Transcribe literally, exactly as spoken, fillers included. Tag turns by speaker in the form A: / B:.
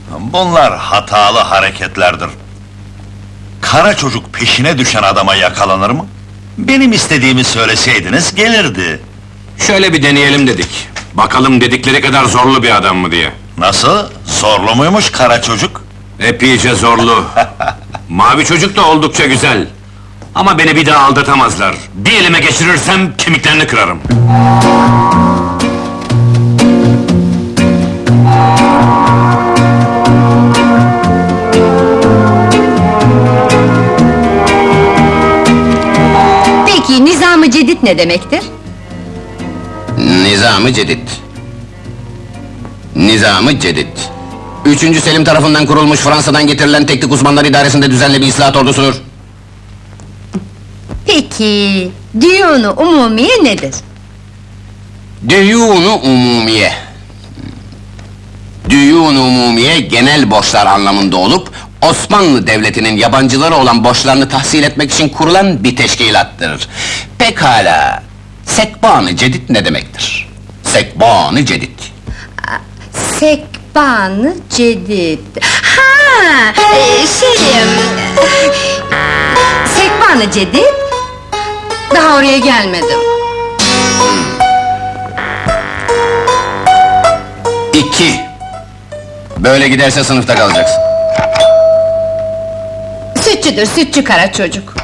A: Bunlar hatalı hareketlerdir. Kara çocuk peşine düşen adama yakalanır mı? Benim istediğimi söyleseydiniz gelirdi.
B: Şöyle bir deneyelim dedik. Bakalım dedikleri kadar zorlu bir adam mı diye.
A: Nasıl? Zorlu muymuş kara çocuk?
B: Epeyce zorlu. Mavi çocuk da oldukça güzel. Ama beni bir daha aldatamazlar. Bir elime geçirirsem kemiklerini kırarım.
C: Peki, Nizam-ı Cedid ne demektir?
D: Nizam-ı Cedid. Nizam-ı Cedid. Üçüncü Selim tarafından kurulmuş, Fransa'dan getirilen teknik uzmanlar idaresinde düzenli bir islahat ordusudur.
C: Peki, Diyûn-u Umumiye nedir?
D: Düyûn-u umumiye. Düyûn-u umumiye genel borçlar anlamında olup, Osmanlı Devleti'nin yabancılara olan borçlarını tahsil etmek için kurulan bir teşkilattır. Pekala, Sekban-ı Cedid ne demektir? Sekban-ı Cedid.
C: Sekban-ı Cedid. Ha, e, şeyim... Sekban-ı Cedid? Daha oraya gelmedim.
D: İki. Böyle giderse sınıfta kalacaksın.
C: Sütçüdür, sütçü kara çocuk.